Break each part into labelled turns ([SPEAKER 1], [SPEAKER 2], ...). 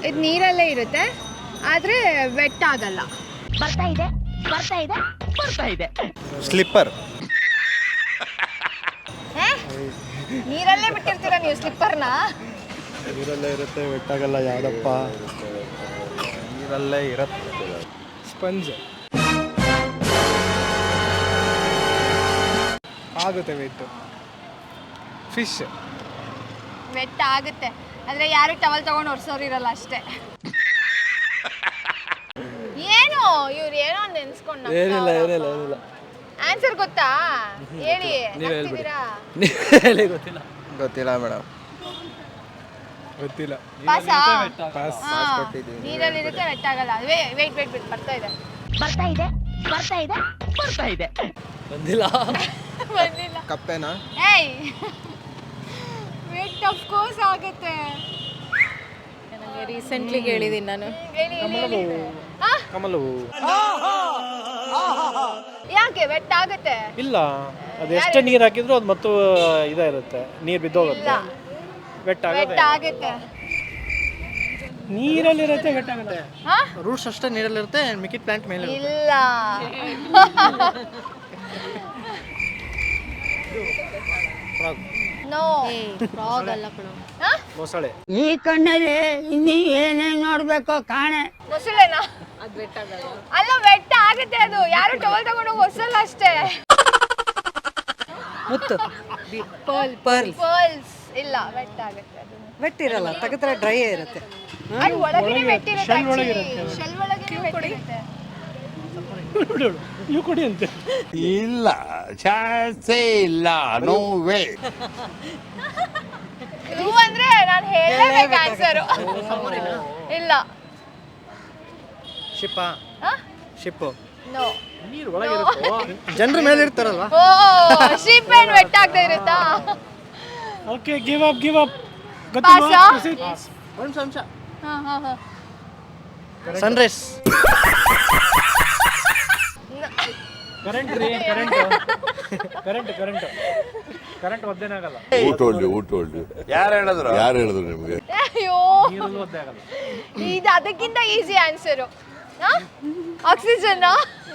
[SPEAKER 1] ಇದು ನೀರಲ್ಲೇ ಇರುತ್ತೆ ಆದರೆ ವೆಟ್ ಆಗಲ್ಲ.
[SPEAKER 2] ಬರ್ತಾ ಇದೆ ಬರ್ತಾ ಇದೆ ಬರ್ತಾ ಇದೆ.
[SPEAKER 3] ಸ್ಲಿಪ್ಪರ್.
[SPEAKER 1] ನೀರಲ್ಲೇ ಬಿಟ್ಟಿರ್ತೀರಾ ನೀವು ಸ್ಲಿಪ್ಪರ್ನ?
[SPEAKER 3] ನೀರಲ್ಲೇ ಇರುತ್ತೆ, ವೆಟ್ಟಾಗಲ್ಲ. ಯಾವುದಪ್ಪ? ನೀರಲ್ಲೇ ಇರುತ್ತೆ.
[SPEAKER 4] ಸ್ಪಂಜ್ ಆಗುತ್ತೆ ವೆಯ್ಟು. ಫಿಶ್
[SPEAKER 1] ವೆಟ್ ಆಗುತ್ತೆ ಆದರೆ ಯಾರು ಟವಲ್ ತಗೊಂಡು ಒರ್ಸೋರಿರಲ್ಲ ಅಷ್ಟೇ. ಏನು ಇವ್ರು ಏನೋ ನೆನ್ಸ್ಕೊಂಡು
[SPEAKER 4] ಏನಿಲ್ಲ.
[SPEAKER 1] ಆನ್ಸರ್ ಗೊತ್ತಾ? ಹೇಳಿ. ನಗ್ತಿದ್ದೀರಾ?
[SPEAKER 3] ಗೊತ್ತಿಲ್ಲ ಮೇಡಮ್.
[SPEAKER 4] ಗೊತ್ತಿಲ್ಲ.
[SPEAKER 1] ಪಾಸಾ?
[SPEAKER 4] ಪಾಸ್.
[SPEAKER 1] ನೀರಲ್ಲಿರುತ್ತೆ ವೆಟ್ ಆಗಲ್ಲ. ವೇಟ್ ಬರ್ತಾ ಇದೆ
[SPEAKER 2] ಬರ್ತಾ ಇದೆ ಬರ್ತಾ ಇದೆ ಬರ್ತಾ ಇದೆ.
[SPEAKER 4] ಬಂದಿಲ್ಲ.
[SPEAKER 1] ಬಂದಿಲ್ಲ.
[SPEAKER 3] ಕಪ್ಪೆನಾ?
[SPEAKER 1] ಏಯ್ ವೆಟ್ ಆಫ್ ಕೋರ್ಸ್ ಆಗುತ್ತೆ.
[SPEAKER 5] ರೀಸೆಂಟ್ಲಿ ಕೇಳಿದ್ದೀನಿ ನಾನು.
[SPEAKER 1] ಹೇಳಿ.
[SPEAKER 4] ಕಮಲು.
[SPEAKER 1] ಯಾಕೆ ವೆಟ್ ಆಗುತ್ತೆ?
[SPEAKER 4] ಇಲ್ಲ, ಅದು ಎಷ್ಟೇ ನೀರು ಹಾಕಿದ್ರು ಅದು ಮತ್ತು ಇದೇ ಇರುತ್ತೆ, ನೀರು ಬಿದ್ದೋಗುತ್ತೆ. ವೆಟ್
[SPEAKER 1] ಆಗುತ್ತೆ.
[SPEAKER 4] ನೀರಲ್ಲಿರುತ್ತೆ, ವೆಟ್ ಆಗುತ್ತೆ.
[SPEAKER 1] ಹಾ?
[SPEAKER 4] ರೂಟ್ಸ್ ಅಷ್ಟೇ ನೀರಲ್ಲಿರುತ್ತೆ, ಮಿಕ್ಕಿದ ಪ್ಲಾಂಟ್ ಮೇಲೆ.
[SPEAKER 1] ಇಲ್ಲ. ನೋ.
[SPEAKER 5] ಫ್ರಾಗ್ ಅಲ್ಲ ಕಣೋ.
[SPEAKER 4] ಮೊಸಳೆ.
[SPEAKER 2] ಈ ಕಣ್ಣಲ್ಲಿ ಇನ್ನೀ ಏನೇನ್ ನೋಡ್ಬೇಕೋ ಕಾಣೆ.
[SPEAKER 1] ಮೊಸಳೆನಾ? ಅಲ್ಲ ವೆಟ್ ಆಗುತ್ತೆ ಅದು. ಯಾರು ಟವಲ್ ತಗೊಂಡು ಒರ್ಸಲ್ಲ ಅಷ್ಟೇ.
[SPEAKER 5] ಮುತ್ತು
[SPEAKER 1] ಪರ್ಲ್ಸ್ ಇಲ್ಲ, ವೆಟ್ ಆಗುತ್ತೆ ಅದು.
[SPEAKER 5] ವೆಟ್ ಇರಲ್ಲ, ತೆಗೆದ್ರೆ ಡ್ರೈ ಇರುತ್ತೆ.
[SPEAKER 1] ಅದು ಒಳಗಡೆ ವೆಟ್ ಇರುತ್ತೆ. ಶೆಲ್ ಒಳಗೆ ವೆಟ್ ಇರುತ್ತೆ.
[SPEAKER 4] ಇವು ಕೊಡಿ ಅಂತೆ.
[SPEAKER 6] ಇಲ್ಲ, ಚಾನ್ಸೇ ಇಲ್ಲ. No way.
[SPEAKER 1] ಇದು ಅಂದ್ರೆ ನಾನು ಹೇಳಲೇಬೇಕು ಆನ್ಸರ್. ಇಲ್ಲ.
[SPEAKER 4] ಶಿಪ್ಪಾ? Ship
[SPEAKER 1] no.
[SPEAKER 4] ನೀರು ಒಳಗೆ ಇರುತ್ತೆ, ಜನರ ಮೇಲೆ ಇರ್ತಾರಲ್ವಾ?
[SPEAKER 1] ಓ ಶಿಪ್ ಏನ್ ವೆಟ್ ಆಗದೆ ಇರುತ್ತಾ?
[SPEAKER 4] Okay, give up.
[SPEAKER 1] ಪಾಸಾ?
[SPEAKER 4] ಒಂದು ಅಂಶ.
[SPEAKER 1] ಹಾ.
[SPEAKER 4] ಸನ್ರೈಸ್. ಕರೆಂಟ್ ಒದ್ದೇನಾಗಲ್ಲ.
[SPEAKER 6] ಊಟ ಯಾರು ಹೇಳಿದ್ರು ನಿಮ್ಗೆ?
[SPEAKER 1] ಅಯ್ಯೋ,
[SPEAKER 4] ನೀರಲ್ಲೂ ಒದ್ದೆ ಆಗಲ್ಲ.
[SPEAKER 1] ಇದು ಅದಕ್ಕಿಂತ ಈಸಿ ಆನ್ಸರು. ಆಕ್ಸಿಜನ್.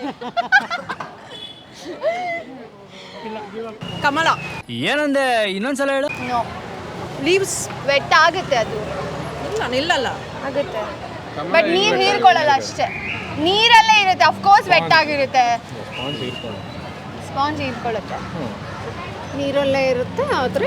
[SPEAKER 5] ಕಮಲ.
[SPEAKER 7] ಏನಂದೆ, ಇನ್ನೊಂದ್ಸಲ ಹೇಳು.
[SPEAKER 1] ನೋ.
[SPEAKER 5] ಲೀವ್ಸ್.
[SPEAKER 1] ವೆಟ್ ಆಗುತ್ತೆ ಅದು.
[SPEAKER 5] ನಿಲ್ಲಲ್ಲ.
[SPEAKER 1] ಆಗುತ್ತೆ ಬಟ್ ನೀರು ಹೀರ್ಕೊಳ್ಳಲ್ಲ ಅಷ್ಟೇ. ನೀರಲ್ಲೇ ಇರುತ್ತೆ, ಅಫ್ಕೋರ್ಸ್ ವೆಟ್ ಆಗಿರುತ್ತೆ. ಸ್ಪಾಂಜ್ ಹೀರ್ಕೊಳ್ಳುತ್ತೆ.
[SPEAKER 5] ನೀರಲ್ಲೇ ಇರುತ್ತೆ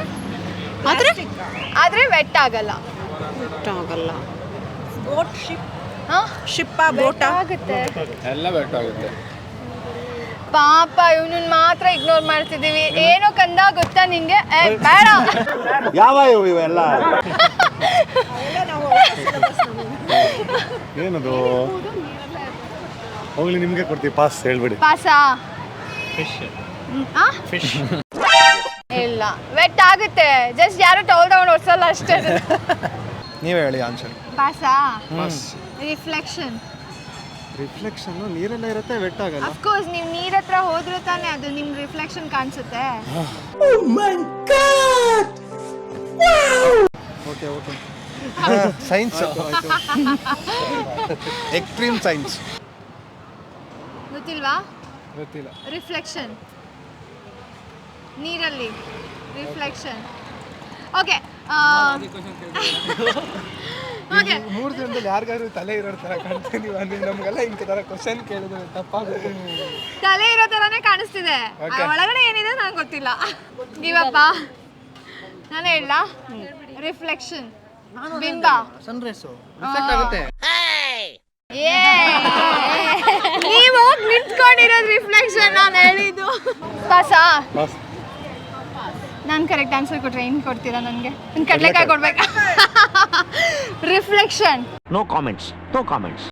[SPEAKER 1] ಆದ್ರೆ ವೆಟ್ ಆಗಲ್ಲ.
[SPEAKER 5] ಆಗಲ್ಲ. Boat, ship. ಶಿಪ್ಪ, ಬೋಟ
[SPEAKER 1] ಆಗುತ್ತೆ.
[SPEAKER 3] ಎಲ್ಲ ವೆಟ್ಟಾಗುತ್ತೆ.
[SPEAKER 1] ಪಾಪ ಇವನನ್ನ ಮಾತ್ರ ಇಗ್ನೋರ್ ಮಾಡ್ತಿದೀವಿ. ಏನೋ ಕಂದ ಗೊತ್ತಾ ನಿಂಗೆ? ಬೇಡ.
[SPEAKER 6] ಯಾವ ಇವೆಲ್ಲ?
[SPEAKER 3] ಏನದು? ಹೋಗ್ಲಿ, ನಿಮ್ಗೆ ಕೊಡ್ತೀವಿ. ಪಾಸ್ ಹೇಳ್ಬಿಡಿ.
[SPEAKER 1] ಪಾಸಾ?
[SPEAKER 4] ಫಿಶ್.
[SPEAKER 1] ಇಲ್ಲ, ವೆಟ್ ಆಗುತ್ತೆ. ಜಸ್ಟ್ ಯಾರು ಟವಲ್ ತಗೊಂಡು ಒರ್ಸಲ್ಲ ಅಷ್ಟೇ.
[SPEAKER 3] ನೀವೇ ಹೇಳಿ ಆನ್ಸರ್.
[SPEAKER 1] ಪಾಸಾ? ರಿಫ್ಲೆಕ್ಷನ್.
[SPEAKER 3] ನೀರಲ್ಲೇ ಇರುತ್ತೆ, ವೆಟ್ ಆಗಲ್ಲ.
[SPEAKER 1] ಅಫ್ಕೋರ್ಸ್ ನೀವು ನೀರ್ ಹತ್ರ ಹೋದ್ರೆ ತಾನೇ ಅದು ನಿಮ್ ರಿಫ್ಲೆಕ್ಷನ್ ಕಾಣಿಸುತ್ತೆ.
[SPEAKER 3] ಓಕೆ. ಸೈನ್ಸ್. Extreme science.
[SPEAKER 1] ಗೊತ್ತಿಲ್ವಾ?
[SPEAKER 4] ಗೊತ್ತಿಲ್ಲ.
[SPEAKER 1] ರಿಫ್ಲೆಕ್ಷನ್, ನೀರಲ್ಲಿ ರಿಫ್ಲೆಕ್ಷನ್. ಓಕೆ. ಓಕೆ,
[SPEAKER 4] 3 ದಿನದಲ್ಲಿ ಯಾರಿಗಾದ್ರು ತಲೆ ಇರೋ ಥರ ಕಾಣ್ತೀನಿ ಅಂದ್ರೆ ನಮಗೆಲ್ಲ ಇಂಥ ಥರ ಕ್ವಶನ್ ಕೇಳಿದ್ರೆ ತಪ್ಪಾಗುತ್ತೆ.
[SPEAKER 1] ತಲೆ ಇರೋ ಥರನೇ ಕಾಣಿಸ್ತಿದೆ. ಒಳಗಡೆ ಏನಿದೆ ನಂಗೆ ಗೊತ್ತಿಲ್ಲ. ಗಿವಪ್ಪ. ನಾನು ಹೇಳ ರಿಫ್ಲೆಕ್ಷನ್, ಬಿಂಬ.
[SPEAKER 4] ಸನ್ರೈಸು ರಿಫ್ಲೆಕ್ಟ್ ಆಗುತ್ತೆ.
[SPEAKER 1] ನೀವು ನಿಂತ್ಕೊಂಡಿರೋದು ರಿಫ್ಲೆಕ್ಷನ್, ನಾನು ಹೇಳಿದ್ದು. ಪಾಸಾ? ನಾನು ಕರೆಕ್ಟ್ ಆನ್ಸರ್ ಕೊಟ್ರೆ ಏನು ಕೊಡ್ತೀರಾ ನನಗೆ? ಕಡಲೆಕಾಯಿ ಕೊಡ್ಬೇಕಾ? ರಿಫ್ಲೆಕ್ಷನ್.
[SPEAKER 7] No comments.